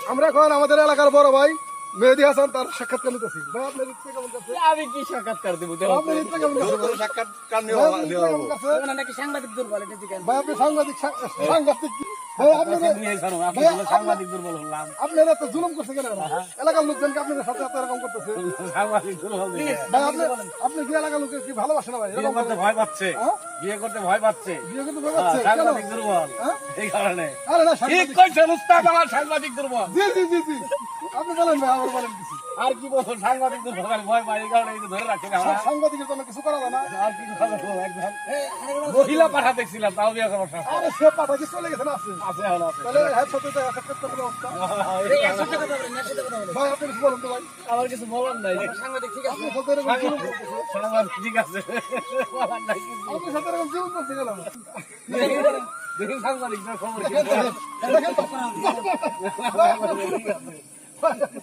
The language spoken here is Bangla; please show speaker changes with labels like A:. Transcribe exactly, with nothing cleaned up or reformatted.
A: আমরা এখন আমাদের এলাকার বড় ভাই মেহেদী হাসান তার সাক্ষাৎকার নিতেছি। ভাই আপনার ইচ্ছে কেমন কাছে?
B: আমি কি সাক্ষাৎকার দেবো?
A: আপনার ইচ্ছে কেমন কাছে?
C: সাক্ষাৎকার
A: ভাই, আপনার ইচ্ছে কেমন কাছে?
B: নাকি সাংবাদিক দুর্বল এটা দিকে
A: ভাই আপনি সাংবাদিক সাংবাদিক কি? ভাই আপনারা
B: সাংবাদিক দুর্বল হলাম।
A: আপনারা তো জুলুম করছে কেন? এলাকার লোকজনকে আপনাদের সাথে এত এরকম করতেছে।
B: সাংবাদিক দুর্বল দিকে।
A: ভাই আপনি আপনি কি এলাকার লোকের কি ভালোবাসেন না ভাই?
B: বিয়ে করতে ভয় পাচ্ছে,
A: হ্যাঁ?
B: বিয়ে করতে ভয় পাচ্ছে।
A: বিয়ে করতে ভয় পাচ্ছে? কেন?
B: সাংবাদিক দুর্বল
A: হ্যাঁ?
B: এই কারণে।
A: আরে না
B: ঠিক
A: সাংবাদিক
B: কইছেন উস্তাদ, আমার সাংবাদিক দুর্বল।
A: জি জি জি জি আপনি বলেন ভাই, আবার বলেন কিছু।
B: আর কি বলবো, সাংবাদিক দুর্বল খালি ভয় পাই এই কারণে এই যে ধরে রাখে না আমরা।
A: সাংবাদিকের জন্য কিছু করা যায় না?
B: আর কি করবো, একজন মহিলা পাঠা দেখছিলাম, তাও বিয়ে করার সময়
A: আরে সে পাঠা কি চলে গেছে না আছে?
B: আছে এখন আছে।
A: তাহলে হ্যাঁ সাথে তো সাক্ষাৎ করতে অবস্থা। ভাই আপনি কিছু বলেন তো ভাই।
B: আমার কিছু বলার নাই। সাংবাদিক ঠিক আছে,
A: আপনি সাথে এরকম জুলুম করতেছে।
B: সাংবাদিক ঠিক আছে, বলার নাই কিছু।
A: আপনি সাথে এরকম জুলুম করতে গেলাম।
B: দেখুন সাংবাদিক খবর কি?
A: দেখেন তো।